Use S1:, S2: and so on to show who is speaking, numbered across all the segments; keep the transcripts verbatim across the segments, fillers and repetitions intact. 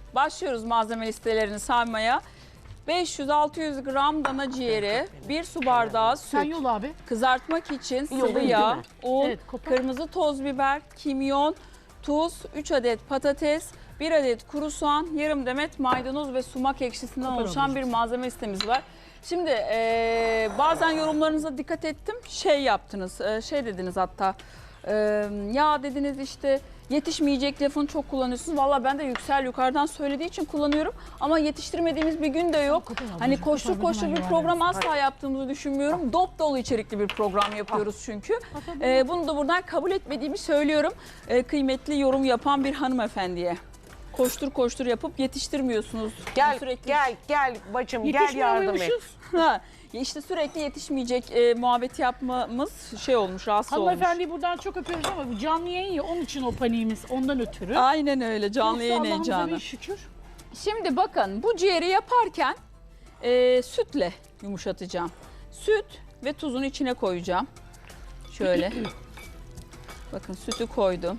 S1: başlıyoruz malzeme listelerini saymaya. beş yüz altı yüz gram dana ciğeri, bir su bardağı
S2: Sen
S1: süt,
S2: yol abi.
S1: kızartmak için sıvı
S2: Yolayım,
S1: yağ,
S2: değil mi?
S1: un,
S2: Evet, kopar.
S1: kırmızı toz biber, kimyon, tuz, üç adet patates, bir adet kuru soğan, yarım demet maydanoz ve sumak ekşisinden
S2: Kopar
S1: oluşan bir malzeme listemiz var. Şimdi e, bazen yorumlarınıza dikkat ettim. Şey yaptınız, e, şey dediniz hatta. e, ya dediniz işte yetişmeyecek lafını çok kullanıyorsunuz. Valla ben de Yüksel yukarıdan söylediği için kullanıyorum. Ama yetiştirmediğimiz bir gün de yok.
S2: Kopar ablacığım,
S1: Hani
S2: kopar,
S1: koştur
S2: bir
S1: koştur
S2: duman
S1: bir program
S2: yuvarlarız.
S1: asla yaptığımızı düşünmüyorum. Dop dolu içerikli bir program yapıyoruz çünkü. E, bunu da buradan kabul etmediğimi söylüyorum. E, kıymetli yorum yapan bir hanımefendiye. Koştur koştur yapıp yetiştirmiyorsunuz.
S3: Gel
S1: Sürekli
S3: gel gel bacım gel
S2: Yetişmiyor
S3: yardım et.
S2: muymuşuz?
S1: Ha, ya işte sürekli yetişmeyecek e, muhabbeti yapmamız şey olmuş, rahatsız olmuş.
S2: Hanımefendiyi buradan çok öpüyoruz ama bu canlı yayın ya onun için o paniğimiz ondan ötürü.
S1: Aynen öyle, canlı
S2: Yoksa
S1: yayın
S2: Allah'ımıza
S1: heyecanı.
S2: bin şükür.
S1: Şimdi bakın bu ciğeri yaparken e, sütle yumuşatacağım. Süt ve tuzunu içine koyacağım. Şöyle. Bakın sütü koydum.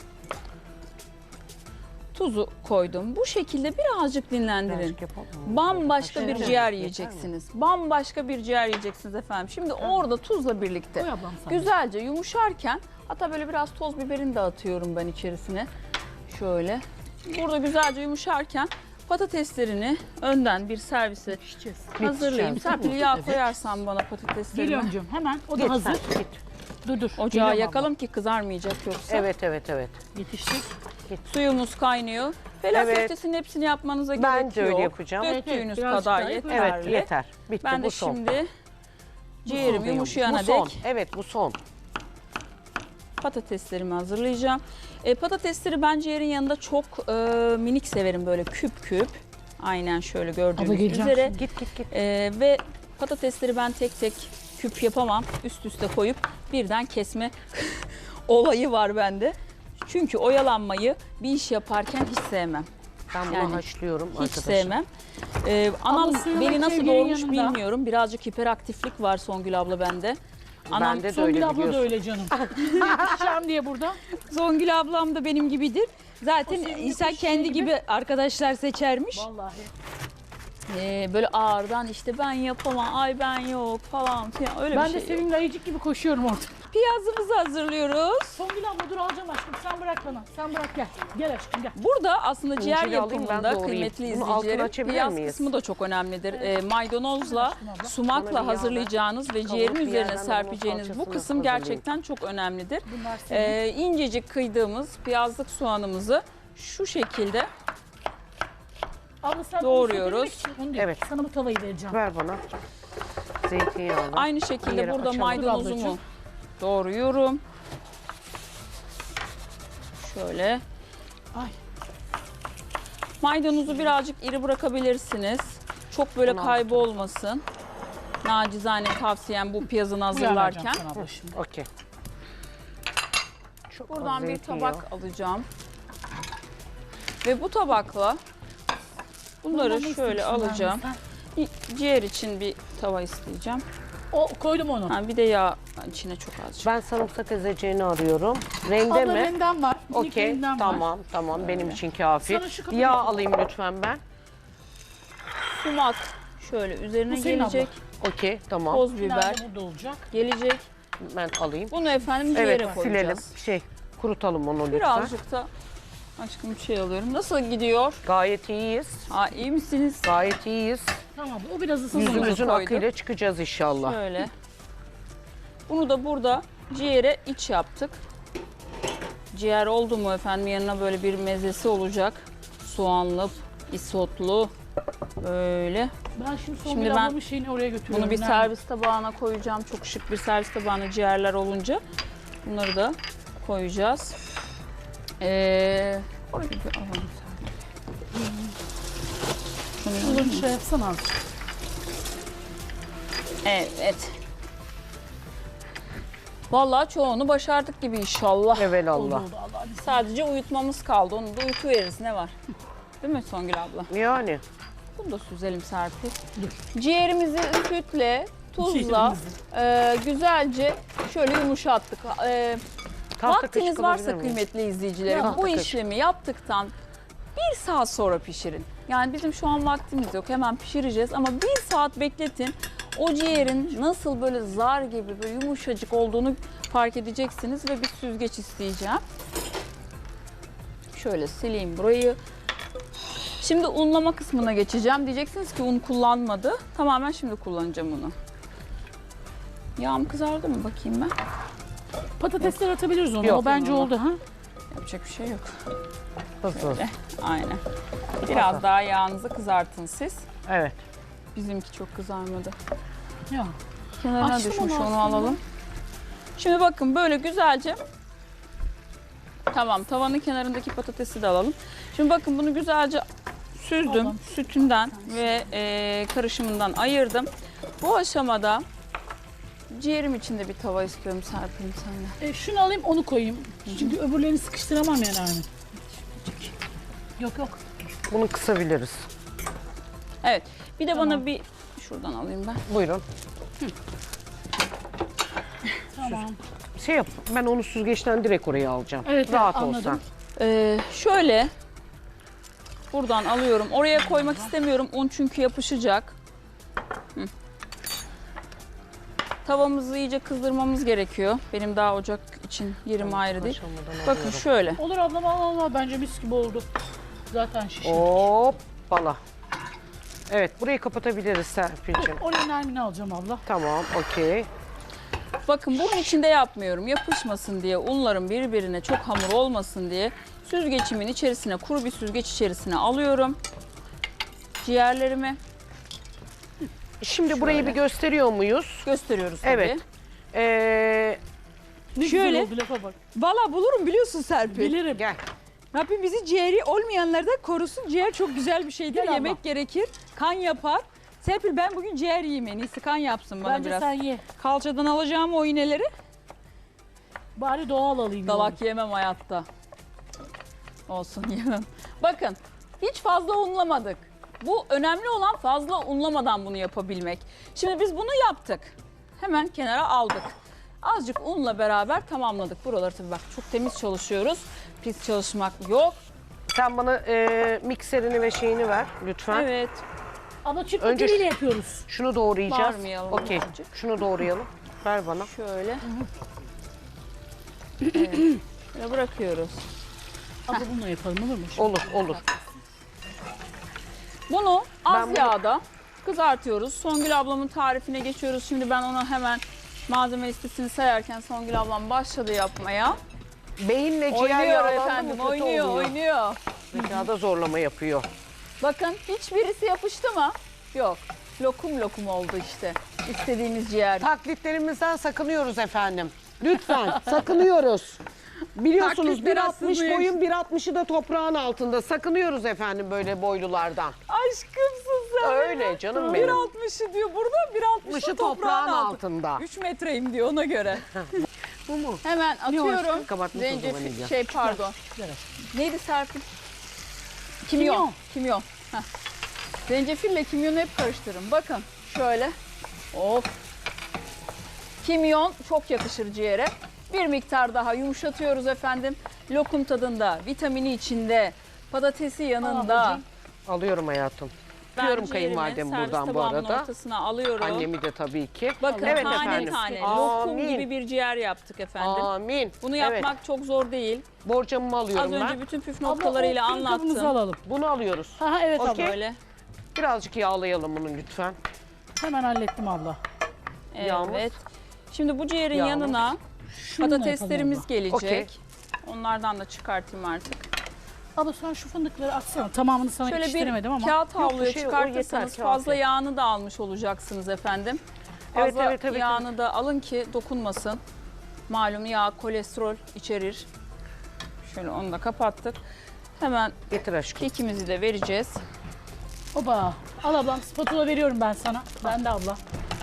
S1: Tuzu koydum. Bu şekilde birazcık dinlendirin.
S3: Birazcık yapalım mı?
S1: Bambaşka bir
S3: Evet.
S1: ciğer
S3: Yeter mi?
S1: yiyeceksiniz. Bambaşka bir ciğer yiyeceksiniz efendim. Şimdi orada tuzla birlikte
S2: Koy ablam sana.
S1: güzelce yumuşarken, hatta böyle biraz toz biberini de atıyorum ben içerisine. Şöyle. Burada güzelce yumuşarken patateslerini önden bir servise
S2: Pişeceğiz.
S1: hazırlayayım.
S3: Yetişeceğiz,
S1: Serpil yağ
S2: Evet.
S1: koyarsan bana patateslerimi.
S2: Geliyorum canım hemen o da
S3: Git
S2: hazır.
S3: sen, git.
S2: Dur dur.
S1: Ocağı
S2: Geliyorum
S1: yakalım ki kızarmayacak yoksa.
S3: Evet evet evet.
S2: abla. Yetiştik.
S1: Suyumuz kaynıyor. Felak
S3: Evet.
S1: köftesinin hepsini yapmanıza
S3: Ben
S1: gerek
S3: de
S1: yok.
S3: öyle yapacağım.
S2: Evet, evet,
S1: Döktüğünüz
S2: birazcık
S1: kadar
S2: daha
S1: yeterli.
S2: yapın.
S3: Evet yeter. Bitti
S1: Ben de
S3: bu son.
S1: şimdi ciğerim
S3: Bu
S1: yumuşayana
S3: son.
S1: dek
S3: Evet bu son.
S1: patateslerimi hazırlayacağım. E, patatesleri ben ciğerin yanında çok e, minik severim, böyle küp küp. Aynen şöyle
S2: Abla
S1: gördüğünüz
S2: geleceğim
S1: üzere.
S2: şimdi.
S3: Git git git.
S1: E, ve patatesleri ben tek tek küp yapamam. Üst üste koyup birden kesme olayı var bende. Çünkü oyalanmayı bir iş yaparken hiç sevmem.
S3: Ben bunu
S1: Yani
S3: haşlıyorum
S1: Hiç
S3: arkadaşlar.
S1: sevmem. Ee, anam
S2: Abla suyunu
S1: beni nasıl
S2: sevgilinin
S1: doğurmuş
S2: yanında.
S1: bilmiyorum. Birazcık hiperaktiflik var Songül abla bende. Anam,
S3: Bende de
S2: Songül
S3: öyle
S2: abla da
S3: biliyorsun.
S2: öyle canım. Yetişeceğim diye burada.
S1: Songül ablam da benim gibidir. Zaten
S2: O senin
S1: insan
S2: yapmış
S1: kendi
S2: şey gibi.
S1: gibi arkadaşlar seçermiş.
S2: Vallahi.
S1: Ee, böyle ağırdan işte ben yapamam, ay ben yok falan filan öyle
S2: Ben
S1: bir
S2: de
S1: şey yok.
S2: senin ayıcık gibi koşuyorum orada.
S1: Piyazımızı hazırlıyoruz.
S2: Songül abla dur alacağım aşkım. Sen bırak bana. Sen bırak gel. Gel aşkım gel.
S1: Burada aslında ciğer
S3: İncili alayım, ben
S1: yapımında
S3: doğrayayım.
S1: kıymetli
S3: Bunu altını
S1: izleyicilerim,
S3: açabilir
S1: piyaz
S3: miyiz?
S1: kısmı da çok önemlidir. Ee, maydanozla,
S2: Aşkım abla.
S3: Bana bir
S1: sumakla
S3: yağ
S1: hazırlayacağınız ve
S3: ver.
S1: ciğerin
S3: Kavurup bir
S1: üzerine
S3: yerden
S1: serpeceğiniz
S3: onun
S1: bu
S3: salçasını
S1: kısım
S3: hazırlayayım.
S1: gerçekten çok önemlidir.
S2: Bunlar senin.
S1: Ee, incecik kıydığımız piyazlık soğanımızı şu şekilde
S2: Abla sen
S1: doğruyoruz.
S2: onu söyleyecek misin? Onu değil.
S3: Evet.
S2: Sana bu tavayı vereceğim.
S3: Ver bana. Zeytinyağlı.
S1: aynı
S3: Bir
S1: şekilde
S3: yere
S1: burada
S3: açalım.
S1: maydanozumu
S2: ablacığım.
S1: doğruyorum. Şöyle.
S2: Ay.
S1: Maydanozu birazcık iri bırakabilirsiniz. Çok böyle
S3: Bunu
S1: kaybolmasın. Nacizane tavsiyem bu piyazını
S2: Bu yağ vereceğim
S1: hazırlarken.
S2: sana abla şimdi.
S3: Okey. Çok az
S1: Buradan bir
S3: zeytinyağı.
S1: tabak alacağım. Ve bu tabakla bunları
S2: Bundan ne
S1: şöyle
S2: istiyorsun
S1: alacağım.
S2: benden?
S1: Ciğer için bir tava isteyeceğim.
S2: O koydum onu.
S1: Ha, bir de yağ içine çok azıcık.
S3: Ben sarımsak ezeceğini arıyorum. Rende
S2: Abla
S3: mi?
S2: rendem var. minik
S3: Okey
S2: rendem var.
S3: tamam tamam benim için kafi.
S2: Sana şu kadar
S3: Yağ
S2: yapayım.
S3: alayım lütfen ben.
S1: Sumak şöyle üzerine
S2: Bu senin
S1: gelecek.
S3: Okey tamam.
S1: Toz biber
S2: Nerede burada olacak?
S1: gelecek.
S3: Ben alayım.
S1: Bunu efendim ciğere
S3: Evet silelim.
S1: koyacağız.
S3: Şey kurutalım onu lütfen.
S1: Birazcık da aşkım bir şey alıyorum. Nasıl gidiyor?
S3: Gayet iyiyiz.
S1: Ha, iyi misiniz?
S3: Gayet iyiyiz.
S2: Tamam o biraz ısınsın.
S1: Yüzümüz-
S3: Yüzümüzün
S1: koyduk.
S3: akıyla çıkacağız inşallah.
S1: Şöyle. Bunu da burada ciğere iç yaptık. Ciğer oldu mu efendim yanına böyle bir mezesi olacak. Soğanlı, isotlu böyle.
S2: Ben şimdi son
S1: Şimdi
S2: bir
S1: ben
S2: ablamın şeyini oraya götürüyorum.
S1: Bunu bir
S2: Nerede?
S1: servis tabağına koyacağım. Çok şık bir servis tabağına ciğerler olunca. Bunları da koyacağız. Ee, orayı bir alalım. Şunu
S2: Şunu bir şey yapsana azıcık.
S1: Evet. Vallahi çoğunu başardık gibi inşallah.
S2: Oldu
S3: Evelallah.
S2: oldu Allah.
S1: Sadece uyutmamız kaldı. Onu da uyutuveririz. Ne var? Değil mi Songül abla?
S3: Yani.
S1: Bunu da süzelim Serpil. Ciğerimizi sütle, tuzla
S2: Ciğerimizi.
S1: e, güzelce şöyle yumuşattık. E,
S3: Tahta
S1: vaktiniz
S3: kaşık
S1: varsa
S3: alabilir miyim?
S1: kıymetli izleyicilerim
S3: Tahta
S1: bu
S3: kaşık.
S1: işlemi yaptıktan bir saat sonra pişirin. Yani bizim şu an vaktimiz yok. Hemen pişireceğiz ama bir saat bekletin. O ciğerin nasıl böyle zar gibi böyle yumuşacık olduğunu fark edeceksiniz ve bir süzgeç isteyeceğim. Şöyle sileyim burayı. Şimdi unlama kısmına geçeceğim. Diyeceksiniz ki un kullanmadı. Tamamen şimdi kullanacağım onu. Yağım kızardı mı bakayım ben?
S2: Patatesler atabiliriz onu.
S3: Yok.
S2: O bence oldu ha.
S1: Yapacak bir şey yok.
S3: Hızlı.
S1: Öyle. Aynen. Biraz daha yağınızı kızartın siz.
S3: Evet.
S1: Bizimki çok kızarmadı.
S2: Ya.
S1: Kenarına
S2: Açtım
S1: düşmüş
S2: onu
S1: onu
S2: aslında.
S1: alalım. Şimdi bakın böyle güzelce. Tamam, tavanın kenarındaki patatesi de alalım. Şimdi bakın bunu güzelce süzdüm.
S2: Alalım.
S1: Sütünden ve e, karışımından ayırdım. Bu aşamada ciğerim için de bir tava istiyorum Serpil'im senden.
S2: E, şunu alayım onu koyayım. Çünkü öbürlerini sıkıştıramam yani. Yok yok.
S3: Bunu kısabiliriz.
S1: Evet. Bir de
S2: Tamam.
S1: bana bir şuradan alayım ben.
S3: Buyurun.
S2: Tamam.
S3: Şey yap, ben onu süzgeçten direkt oraya alacağım.
S2: Evet, evet,
S3: Rahat
S2: anladım.
S3: olsan.
S1: Ee, şöyle buradan alıyorum. Oraya koymak istemiyorum. Un çünkü yapışacak. Hı. Tavamızı iyice kızdırmamız gerekiyor. Benim daha ocak için yerim ayrı değil.
S3: Aşamadan
S1: Bakın
S3: alıyorum.
S1: şöyle.
S2: Olur ablam al al al. Bence mis gibi oldu. Zaten şişti.
S3: Hoppala. Evet, burayı kapatabiliriz Serpil'cim.
S2: Oraya Nermin'i alacağım abla.
S3: Tamam, okey.
S1: Bakın bunun içinde yapmıyorum. Yapışmasın diye, unların birbirine çok hamur olmasın diye süzgecimin içerisine, kuru bir süzgeç içerisine alıyorum ciğerlerimi.
S3: Şimdi burayı bir gösteriyor muyuz?
S1: Gösteriyoruz tabii.
S3: Evet. Ee,
S2: Ne
S4: Şöyle.
S2: güzel oldu lafa bak.
S4: Valla bulurum biliyorsun Serpil.
S2: Bilirim.
S3: gel.
S4: Rabbim bizi ciğeri olmayanlardan korusun. Ciğer çok güzel bir şeydir.
S2: Gel abla.
S4: Yemek gerekir. Kan yapar. Serpil ben bugün ciğer yiyeyim en iyisi. Kan yapsın bana
S2: Bence
S4: biraz.
S2: sen ye.
S4: Kalçadan alacağım o iğneleri.
S2: Bari doğal alayım.
S1: Dalak yemem hayatta. Olsun yemem. Bakın hiç fazla unlamadık. Bu önemli olan fazla unlamadan bunu yapabilmek. Şimdi biz bunu yaptık. Hemen kenara aldık. Azıcık unla beraber tamamladık. Buraları tabii bak çok temiz çalışıyoruz. Pis çalışmak yok.
S3: Sen bana e, mikserini ve şeyini ver lütfen.
S1: Evet.
S2: Ama çift
S3: Önce
S2: Önce yapıyoruz.
S3: Şunu doğrayacağız.
S1: Bağırmayalım
S3: Okey.
S1: azıcık.
S3: Şunu doğrayalım. Ver bana.
S1: Şöyle. Evet. Şöyle bırakıyoruz.
S2: Abla bununla yapalım olur mu?
S3: Olur, olur.
S1: Bunu az
S3: Ben bunu-
S1: yağda kızartıyoruz. Songül ablamın tarifine geçiyoruz. Şimdi ben ona hemen malzeme listesini sayarken Songül ablam başladı yapmaya.
S3: Beyinle ciğer
S1: Oynuyor
S3: yağlandı mı
S1: efendim,
S3: kötü
S1: oynuyor,
S3: oluyor.
S1: oynuyor.
S3: Zekada zorlama yapıyor.
S1: Bakın hiçbirisi yapıştı mı? Yok. Lokum lokum oldu işte. İstediğimiz ciğer.
S3: Taklitlerimizden sakınıyoruz efendim. Lütfen sakınıyoruz. Biliyorsunuz
S1: Taklitler
S3: bir altmış
S1: aslında
S3: boyun bir altmışı da toprağın altında. Sakınıyoruz efendim böyle boylulardan.
S1: Aşkımsın sen.
S3: Öyle canım
S1: bir
S3: benim.
S1: altmışı diyor burada, bir altmışı
S3: altmışı
S1: toprağın,
S3: toprağın
S1: altında.
S3: altında.
S1: üç metreyim diyor ona göre.
S3: Bu mu?
S1: Hemen atıyorum.
S3: Kabartma tozu,
S1: Zencefil,
S3: vanilya.
S1: şey pardon.
S2: Ver.
S1: Neydi Serpil? Kimyon.
S2: Kimyon.
S1: Kimyon. Heh. Zencefille kimyonu hep karıştırın. Bakın şöyle. Of. Kimyon çok yakışır ciğere. Bir miktar daha yumuşatıyoruz efendim. Lokum tadında, vitamini içinde, patatesi yanında.
S2: ablacığım.
S3: Alıyorum hayatım.
S1: Ben
S3: Öpüyorum
S1: ciğerimi
S3: kayınvalidemi
S1: servis
S3: buradan bu
S1: tabağımın
S3: arada.
S1: ortasına alıyorum.
S3: Annemi de tabii ki.
S1: Bakın
S3: Evet
S1: tane
S3: efendim.
S1: tane
S3: Amin.
S1: lokum gibi bir ciğer yaptık efendim.
S3: Amin.
S1: Bunu
S3: Evet.
S1: yapmak çok zor değil.
S3: Borcamımı
S1: Az
S3: alıyorum
S1: önce
S3: ben.
S1: bütün püf
S2: Abla,
S1: noktalarıyla
S2: o fırın kabınızı
S1: anlattım.
S2: alalım.
S3: Bunu alıyoruz.
S2: Ha, ha, evet
S3: Okey.
S2: abla.
S1: Böyle.
S3: Birazcık yağlayalım bunu lütfen.
S2: Hemen hallettim abla.
S3: Yağmur.
S1: Evet. Şimdi bu ciğerin
S3: Yağmur.
S1: yanına
S2: Şununla
S1: patateslerimiz
S2: yapalım
S1: gelecek.
S3: Okey.
S1: Onlardan da çıkartayım artık.
S2: abla. Abla sen şu fındıkları atsana. Tamamını sana
S1: Şöyle bir
S2: yetiştiremedim ama.
S1: kağıt havluya
S3: şey, o
S1: çıkartırsanız
S3: yeter,
S1: fazla
S3: kağıt.
S1: yağını da almış olacaksınız efendim.
S3: Evet,
S1: Fazla
S3: evet, evet,
S1: yağını da alın ki dokunmasın. Malum yağ kolesterol içerir. Şöyle onu da kapattık. Hemen
S3: Getir aşkım.
S1: kekimizi de vereceğiz.
S2: Oba. Al ablam spatula veriyorum ben sana. Ben de abla.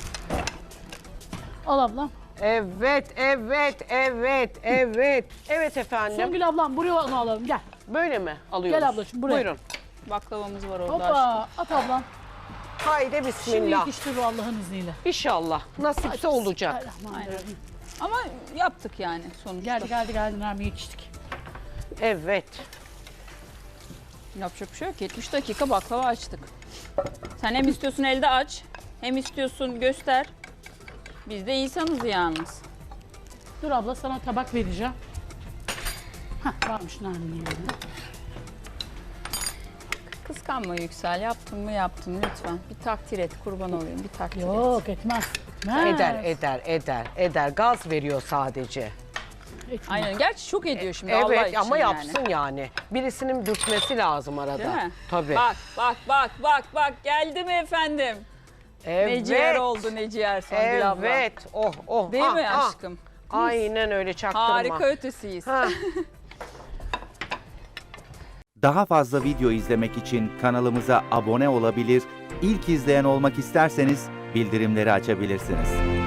S2: Al ablam.
S3: Evet, evet, evet, evet. Evet efendim.
S2: Songül ablam buraya onu alalım gel.
S3: Böyle mi alıyoruz?
S2: Gel ablacığım, buraya.
S3: Buyurun.
S1: Baklavamız var orada.
S2: Hoppa at ablam.
S3: Haydi
S2: Şimdi
S3: bismillah.
S2: yetiştir bu Allah'ın izniyle.
S3: İnşallah. Nasipse olacak.
S2: Bismillahirrahmanirrahim.
S1: Ama yaptık yani sonuçta.
S2: Geldi geldi geldi Nermin yetiştik.
S3: Evet.
S1: Yapacak bir şey yok. yetmiş dakika baklava açtık. Sen hem istiyorsun elde aç, hem istiyorsun göster. Biz de insanız yalnız.
S2: Dur abla sana tabak vereceğim. Hah varmış Nermin'in yanında.
S1: Kıskanma Yüksel. Yaptın mı yaptın lütfen. Bir takdir et, kurban olayım. Bir takdir et.
S2: Yok etmez. Etmez.
S3: Eder, eder, eder, eder. Gaz veriyor sadece.
S2: Etmez.
S1: Aynen. Gerçi çok ediyor şimdi Allah
S3: Evet
S1: için
S3: ama
S1: yani.
S3: yapsın yani. Birisinin dürtmesi lazım arada.
S1: Değil mi?
S3: Tabii.
S1: Bak bak bak bak bak geldi mi efendim?
S3: Evet.
S1: Ne ciğer oldu ne ciğer Songül abla.
S3: Evet. Oh oh.
S1: Değil
S3: ah,
S1: mi
S3: ah.
S1: aşkım?
S3: Aynen öyle çaktırma.
S1: Harika ötesiyiz.
S3: Ha.
S5: Daha fazla video izlemek için kanalımıza abone olabilir, ilk izleyen olmak isterseniz bildirimleri açabilirsiniz.